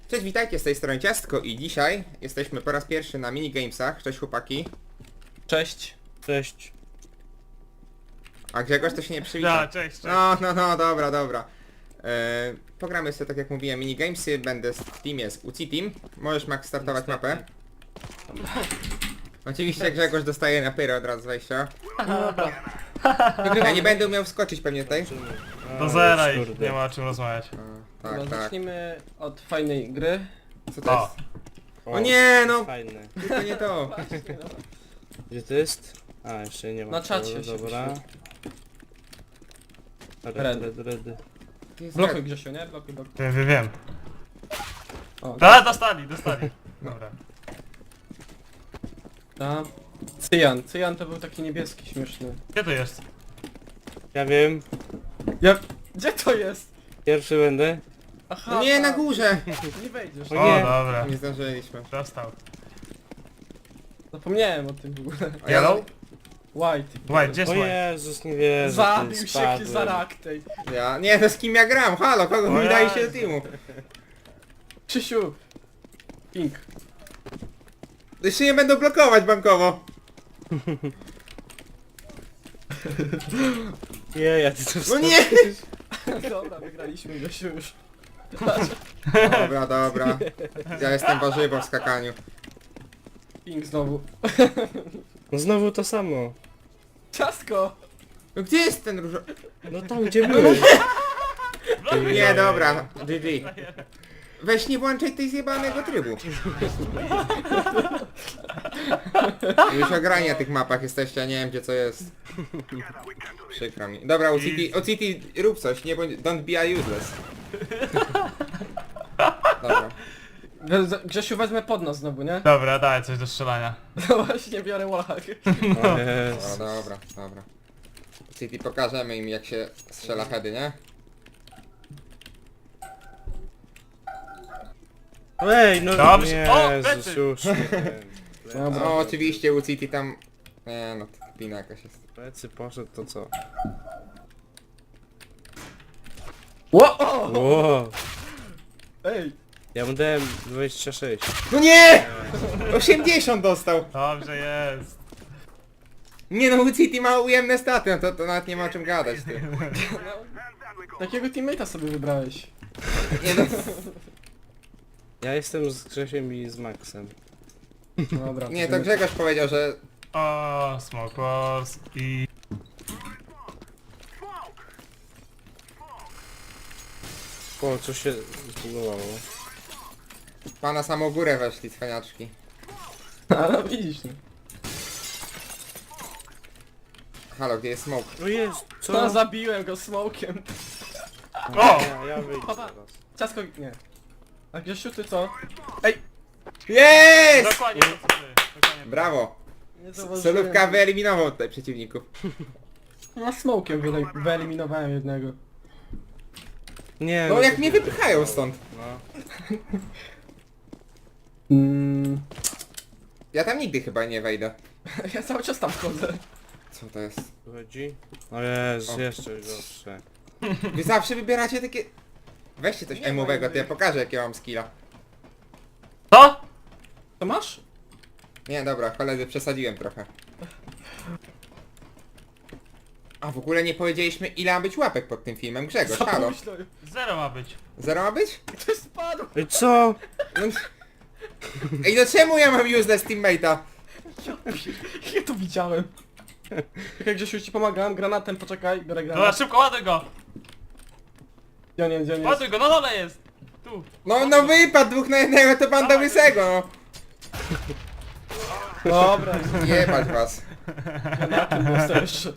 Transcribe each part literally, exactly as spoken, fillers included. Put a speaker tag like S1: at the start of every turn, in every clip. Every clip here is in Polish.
S1: Cześć, witajcie, z tej strony Ciastko i dzisiaj jesteśmy po raz pierwszy na minigamesach. Cześć chłopaki.
S2: Cześć.
S3: Cześć.
S1: A Grzegorz to się nie przywita.
S2: Da, cześć, cześć.
S1: No, no, no, dobra, dobra. E, pogramy sobie, tak jak mówiłem, minigamesy. Będę w teamie z U C I Team. Możesz, Max, startować mapę. Oczywiście Grzegorz dostaje na pyrę od razu z wejścia.
S2: Dobra.
S1: Ja nie będę umiał wskoczyć pewnie tutaj.
S2: Do zera i nie ma o czym rozmawiać.
S1: O,
S3: Dobra,
S1: tak, tak.
S3: zacznijmy od fajnej gry.
S1: Co to
S2: O,
S1: jest? O nie, no!
S3: Fajne.
S1: Tylko nie to.
S3: Gdzie to jest? A, jeszcze nie ma.
S1: No,
S3: No
S2: Na czacie
S3: dobra,
S2: się
S3: dobra. Red,
S2: Red.
S3: red, red.
S1: To jest
S2: blokuj
S1: red.
S2: Grzesiu, nie? Blokuj, blokuj.
S4: Wiem, wiem, wiem.
S3: O,
S2: Da, dostali, dostali. Dobra.
S3: da. Cyjan. Cyjan to był taki niebieski, śmieszny.
S2: Gdzie to jest?
S5: Ja wiem,
S3: Jak? Gdzie to jest?
S5: pierwszy będę.
S3: Aha,
S1: No nie, na
S3: tak.
S1: górze!
S3: Nie wejdziesz.
S2: O,
S5: nie.
S2: dobra.
S1: Nie zdążyliśmy.
S2: Dostał.
S3: Zapomniałem o tym w ogóle.
S1: A ja-
S2: Yellow?
S3: White.
S2: White, gdzie jest
S5: O
S2: White?
S5: Jezus, nie wierzę.
S3: Zabił
S5: ty
S3: się
S5: spadłem.
S3: za rak tej.
S1: Ja, nie, to z kim ja gram? Halo, kogo
S2: O
S1: mi daje się
S2: Jezu.
S1: do teamu?
S3: Krzysiu. Pink.
S1: Jeszcze nie będą blokować bankowo.
S5: Nie, ja ty to
S1: No nie!
S3: Dobra, wygraliśmy Grzesiu już.
S1: Dobra, dobra. Ja jestem warzywo w skakaniu.
S3: Pink znowu.
S5: No znowu to samo.
S3: Ciastko!
S1: No gdzie jest ten różo...
S5: No tam gdzie byłeś.
S1: Nie, dobra. G G. Weź nie włączaj tej zjebanego trybu. Już ograni na tych mapach jesteście, ja nie wiem gdzie co jest. Przykro mi. Dobra, O C T, O C T rób coś, nie bądź... Don't be useless. Dobra.
S3: Grzesiu wezmę pod nas znowu, nie?
S2: Dobra, daj coś do strzelania.
S3: No właśnie, biorę łach.
S5: O Jezu.
S1: Dobra, dobra, dobra. O C T pokażemy im jak się strzela heady, nie?
S5: Ej, no
S2: Dobrze. O,
S5: Jezus,
S2: plecy.
S5: już. nie wiem.
S3: Dobra.
S1: No oczywiście U C T tam... Nie no, to kpina jakaś jest.
S5: Plecy poszedł, to co?
S3: Ło! O!
S5: Wow.
S3: Ej!
S5: Ja mu dałem dwadzieścia sześć.
S1: No nie! osiemdziesiąt dostał!
S2: Dobrze jest.
S1: Nie no, U C T ma ujemne staty, no to, to nawet nie ma o czym gadać, ty.
S3: Takiego teammate'a sobie wybrałeś.
S1: Nie no,
S5: Ja jestem z Grzesiem i z Maxem.
S3: Dobra.
S1: nie, to Grzegorz powiedział, że...
S2: O, Smoke Wars i...
S5: O, co się zbugowało.
S1: Pana samą górę weszli, cwaniaczki.
S3: A no widzisz, no.
S1: Halo, gdzie jest smoke?
S5: O Jezu, co?
S3: No zabiłem go smokiem.
S2: O!
S5: Ja, ja wyjdę
S3: Papa.
S5: teraz.
S3: Ciasko... nie. A Grzesiu ty co? Ej!
S1: Jest!
S2: Dokładnie to co ty. Dokładnie.
S1: Brawo!
S3: Nie
S1: Solówka wyeliminował tutaj przeciwników.
S3: Ja smokiem wyele- wyeliminowałem jednego.
S5: Nie,
S1: No jak
S5: to
S1: mnie
S5: nie.
S1: wypychają stąd.
S5: No.
S3: Mm,
S1: Ja tam nigdy chyba nie wejdę.
S3: ja cały czas tam wchodzę.
S1: Co to jest?
S5: Tu chodzi? O Jezu,
S1: O.
S5: jeszcze gorsze.
S1: Wy zawsze wybieracie takie... Weźcie coś
S3: Nie
S1: emowego,
S3: ma
S1: to ja pokażę jakie mam skilla.
S2: Co?
S3: To masz?
S1: Nie, dobra, koledzy, przesadziłem trochę. A w ogóle nie powiedzieliśmy ile ma być łapek pod tym filmem. Grzegorz,
S3: Co
S1: halo.
S3: myślę?
S2: Zero ma być.
S1: Zero ma być?
S3: Ktoś spadł!
S5: Ej, co?
S1: No... Ej, no czemu ja mam useless teammate'a?
S3: Ja, ja to widziałem. Jak Grzesiu ci pomagałem granatem, poczekaj, biorę
S2: Dobra,
S3: granat.
S2: szybko ładuj go!
S3: Gdzie on jest, gdzie on jest?
S2: Ładuj go, na dole jest! Tu.
S1: No, no wypadł dwóch na jednego, to banda łysego, no.
S3: Dobra,
S1: Jebać was.
S3: granatem dostał jeszcze.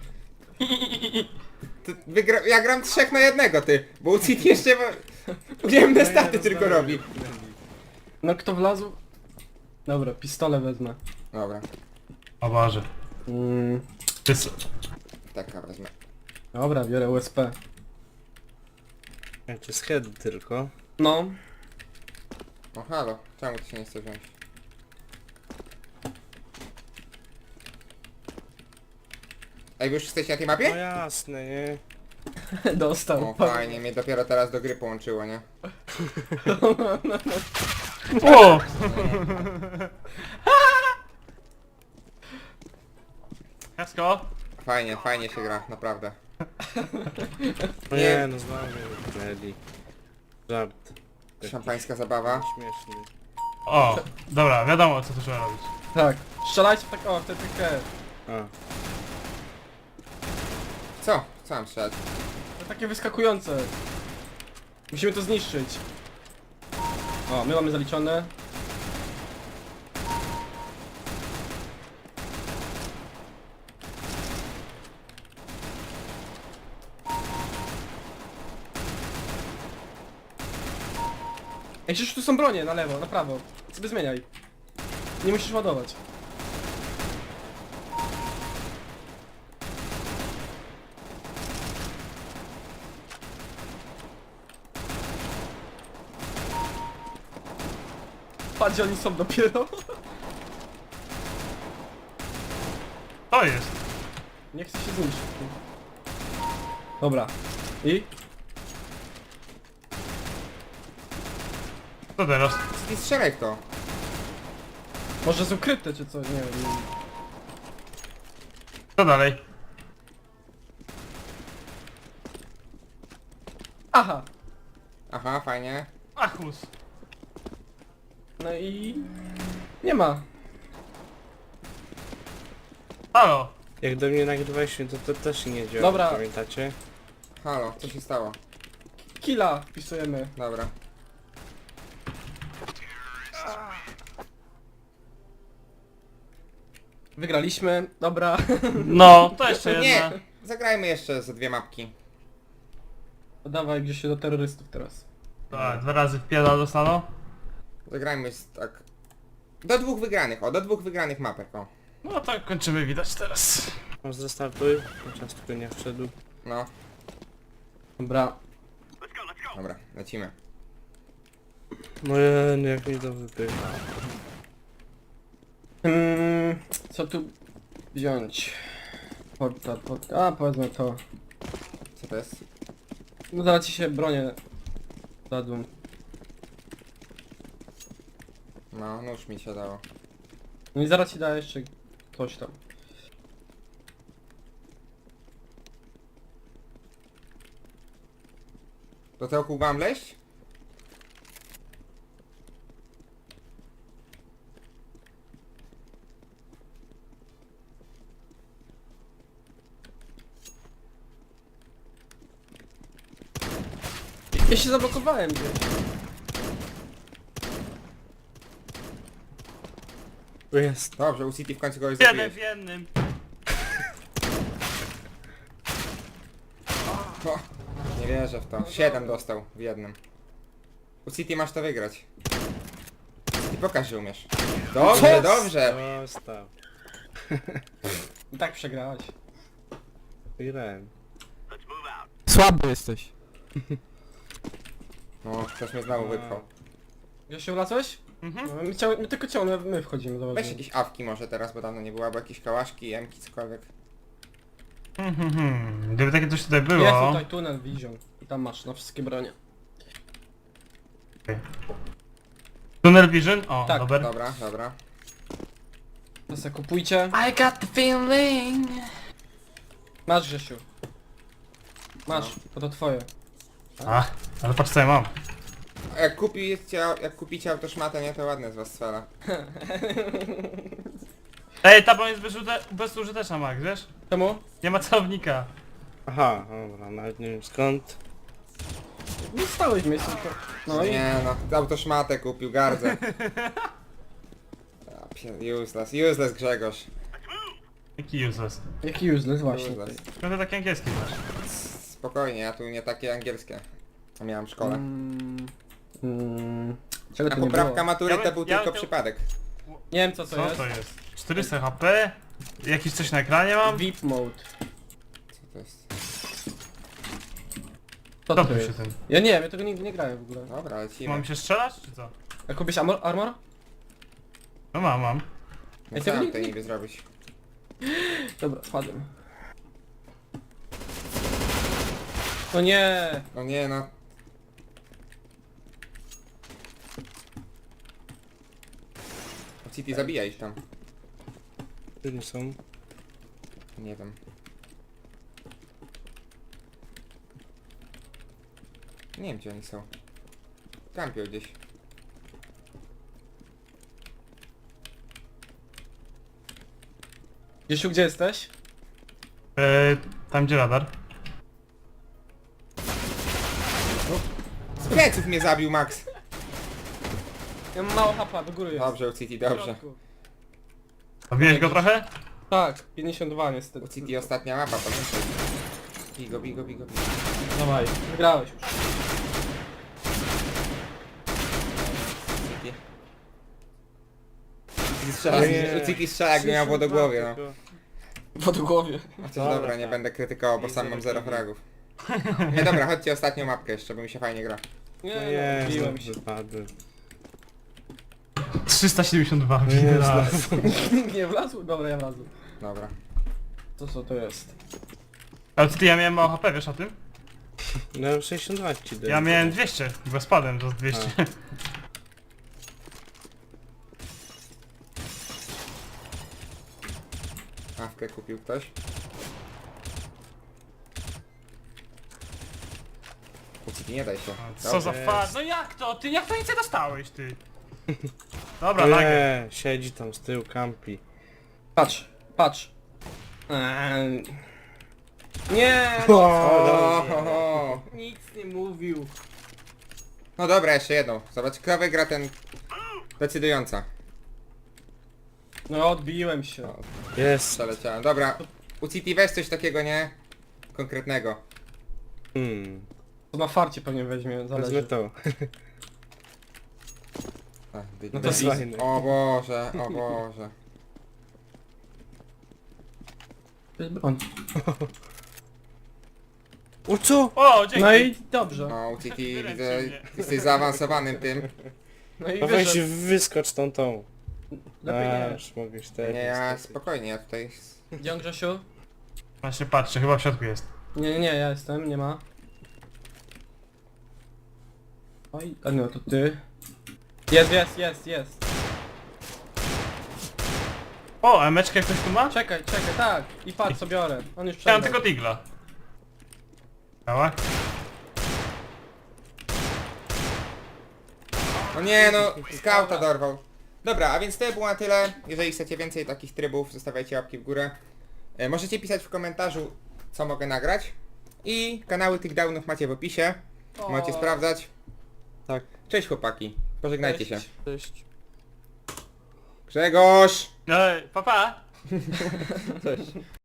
S1: To wygra... Ja gram trzech na jednego, ty. Bo U C T jeszcze ma... Ujemne staty tylko robi.
S3: No kto wlazł? Dobra, pistole wezmę.
S1: Dobra,
S2: O Boże.
S3: Mm,
S2: Ty s-
S1: taka wezmę.
S3: dobra, biorę U S P.
S5: Ja to jest head tylko.
S3: No.
S1: O halo, czemu ty się nie chce wziąć? Ej, wy już jesteście na tej
S5: No
S1: mapie?
S5: jasne, nie?
S3: Dostał.
S1: O, fajnie, mnie dopiero teraz do gry połączyło, nie?
S2: O! Kasko?
S1: Fajnie, fajnie się gra, naprawdę.
S5: No nie, no znowu Leli. Żart.
S1: Szampańska zabawa.
S5: Śmieszny.
S2: O, dobra, wiadomo co tu trzeba robić.
S3: Tak. Strzelajcie w tak, o, w tę piłkę.
S5: A,
S1: Co? Co mam strzelać?
S3: To takie wyskakujące. Musimy to zniszczyć. O, my mamy zaliczone. Ej, przecież tu są bronie, na lewo, na prawo. Sobie zmieniaj. Nie musisz ładować. Patrz, gdzie oni są dopiero.
S2: To jest.
S3: Nie chcę się zniszczyć. Dobra. I?
S2: Co teraz?
S1: I strzelaj w to.
S3: Może jest ukryte czy coś, nie wiem.
S2: Co dalej?
S3: Aha!
S1: Aha, fajnie.
S2: Achus.
S3: No i... Nie ma.
S2: Halo.
S5: jak do mnie nagrywaliście, to to też nie działa,
S3: Dobra.
S5: pamiętacie?
S1: Halo, co się stało?
S3: Killa wpisujemy.
S1: Dobra.
S3: Wygraliśmy, dobra.
S2: No, to jeszcze jedna.
S1: Nie! Zagrajmy jeszcze ze dwie mapki.
S3: Dawaj gdzieś się do terrorystów teraz.
S2: Tak, dwa razy wpierdol dostaną.
S1: Zagrajmy z, tak... Do dwóch wygranych, o, do dwóch wygranych mapek, o.
S2: No to kończymy widać teraz.
S5: Masz zrestartuj, czas tylko nie wszedł.
S1: No,
S3: Dobra.
S1: dobra, lecimy.
S5: No je, no jak mnie to wypycha.
S3: Hmm, co tu wziąć? Portal, portal. A, powiedzmy to.
S1: Co to jest?
S3: No zaraz ci się bronię dadzą.
S1: No, nóż mi się dało.
S3: No i zaraz ci da jeszcze coś tam.
S1: Do tego kół mam leść?
S3: Ja się zablokowałem gdzieś.
S5: Tu jest.
S1: Dobrze, u City w końcu kogoś
S2: Jeden
S1: zabiłeś.
S2: w jednym.
S1: O, nie wierzę w to. Siedem dostał w jednym. U City masz to wygrać. I pokaż, że umiesz. Dobrze, dobrze.
S5: Został.
S3: I tak przegrałeś.
S5: Wygrałem.
S4: Słaby jesteś.
S1: No, ktoś mnie znowu wypchał.
S3: Ja się ulazłeś?
S2: Mhm.
S3: No, my, chciał, my tylko ciągle my wchodzimy, zobacz.
S1: Weź jakieś awki może teraz, bo dawno nie było, albo jakieś kałaszki, emki, cokolwiek.
S2: Mhm, mhm. Gdyby takie coś tutaj
S3: Jest
S2: było.
S3: tutaj tunel Vision. I tam masz na wszystkie bronie.
S2: Tunnel Vision? O,
S3: Tak.
S2: dobra.
S1: Dobra, dobra.
S3: To se kupujcie.
S4: I got the feeling.
S3: Masz Grzesiu. Masz, bo to twoje.
S2: A, ale patrz co ja mam.
S1: A jak kupicie, jak kupicie autoszmatę, nie, to ładne z was sfera.
S2: Ej, ta broń jest bezużyte bezużyteczna, Max, wiesz?
S3: Czemu?
S2: Nie ma celownika.
S5: Aha, dobra, nawet nie wiem skąd.
S3: Nie stałeś w miejscu tylko... No i...
S1: Nie no, autoszmatę kupił, gardzę. Ja pie- Useless, useless Grzegorz.
S2: Jaki useless.
S3: Jaki useless właśnie.
S1: Useless.
S2: Skąd ty taki angielski znasz?
S1: Spokojnie, ja tu nie takie angielskie. A miałem w szkole.
S3: Mm, mm, czego
S1: A
S3: tu nie
S1: poprawka
S3: było?
S1: matury
S2: Ja
S1: to
S2: bym-
S1: był
S2: ja
S1: tylko
S2: bym-
S1: przypadek.
S3: Nie wiem co to
S2: Co
S3: jest.
S2: to jest? czterysta H P? Jakiś coś na ekranie mam?
S3: V I P mode.
S1: Co to jest?
S3: Co
S2: Co
S3: to
S2: tu się
S3: jest?
S2: tym?
S3: Ja nie wiem, ja tego nigdy nie grałem w ogóle.
S1: Dobra, lecimy.
S2: Mam się strzelać, czy co?
S3: A kupisz armor? armor?
S2: No mam, mam.
S1: No
S3: Ej,
S1: co
S3: tego
S1: mam
S3: nie-
S1: tutaj niby zrobić?
S3: Dobra, wpadłem. No nie!
S1: No nie no. City zabija ich tam.
S5: Tu nie są.
S1: Nie wiem. Nie wiem gdzie oni są. Kampią gdzieś.
S3: Grzesiu, gdzie jesteś?
S2: E, tam gdzie radar.
S1: Z pleców mnie zabił Max.
S3: Ja mam mało hapa, do góry jest.
S1: Dobrze, u City,
S3: W
S1: dobrze.
S3: środku.
S2: Zabiłeś go trochę?
S3: Tak, pięćdziesiąt dwa niestety.
S1: U City ostatnia mapa, pamiętaj. Bigo, bigo, bigo, bigo.
S3: Dawaj, wygrałeś już.
S1: City. City strzela,
S5: Nie.
S1: u City strzela jakby miał wodogłowie, no.
S5: Tylko.
S3: W odgłowie.
S1: Chociaż
S5: Dobra,
S1: dobra, nie
S5: tak.
S1: będę krytykował, bo
S5: Nie
S1: sam mam zero
S5: zero
S1: fragów. Nie dobra, chodźcie ostatnią mapkę jeszcze, bo mi się fajnie gra.
S3: Nie,
S5: No
S3: no,
S5: jest,
S3: biłem się.
S5: wypadły.
S2: trzysta siedemdziesiąt dwa.
S5: No jest,
S2: raz.
S3: Nie wlazł? Dobra, ja wlazłem.
S1: Dobra.
S3: To co to jest?
S2: Ale ty, ja miałem mało H P, wiesz o tym?
S5: No sześćdziesiąt dwa ci daję.
S2: Ja miałem dwieście, bo spadłem do dwieście.
S1: Awkę kupił ktoś. U City nie daj się.
S2: Co za
S5: Jest.
S2: fa... No jak to? Ty jak to nic nie dostałeś, ty? Dobra, nagle.
S5: Nie, siedzi tam z tyłu, kampi.
S3: Patrz, patrz. Eee. Nie!
S1: O, ho, ho.
S3: Nic nie mówił.
S1: No dobra, jeszcze jedną. Zobacz, kto wygra ten... Decydująca.
S3: No odbiłem się.
S5: Jest.
S1: Przeleciałem. Dobra, u City weź coś takiego, nie? Konkretnego.
S5: Hmm.
S3: To na farcie pewnie weźmie,
S5: Wezmę
S3: zależy.
S5: to.
S1: Ach,
S3: No
S1: no
S3: to
S5: jest
S3: easy.
S5: fajne.
S1: O Boże, o Boże.
S3: To jest broń.
S5: O co?
S2: O, dzięki.
S3: No i dobrze.
S1: No, u City
S2: Wyręczył
S1: widzę,
S2: mnie.
S1: jesteś zaawansowanym tym.
S3: No i
S5: No weź
S3: wyszedł.
S5: wyskocz tą tą.
S3: Lepiej nie.
S5: Aż mogę się tak
S1: Nie, ja spokojnie, ja tutaj...
S3: Gdzie on, Grzesiu?
S2: Właśnie patrzę, chyba w środku jest.
S3: Nie, nie, nie, ja jestem, nie ma. Oj, a no to ty. Jest, jest, jest, jest.
S2: O, emeczkę ktoś tu ma?
S3: Czekaj, czekaj, tak. I patrz co biorę. On już
S2: Ja mam
S3: przegrał.
S2: tylko digla. Dała?
S1: No nie no, skauta dorwał. Dobra, a więc to było na tyle. Jeżeli chcecie więcej takich trybów, zostawiajcie łapki w górę. E, możecie pisać w komentarzu, co mogę nagrać. I kanały tych downów macie w opisie.
S3: O.
S1: Możecie sprawdzać.
S5: Tak.
S1: Cześć chłopaki. Pożegnajcie się.
S3: Cześć.
S5: Cześć.
S1: Grzegorz!
S2: No, papa. Pa.
S1: Cześć.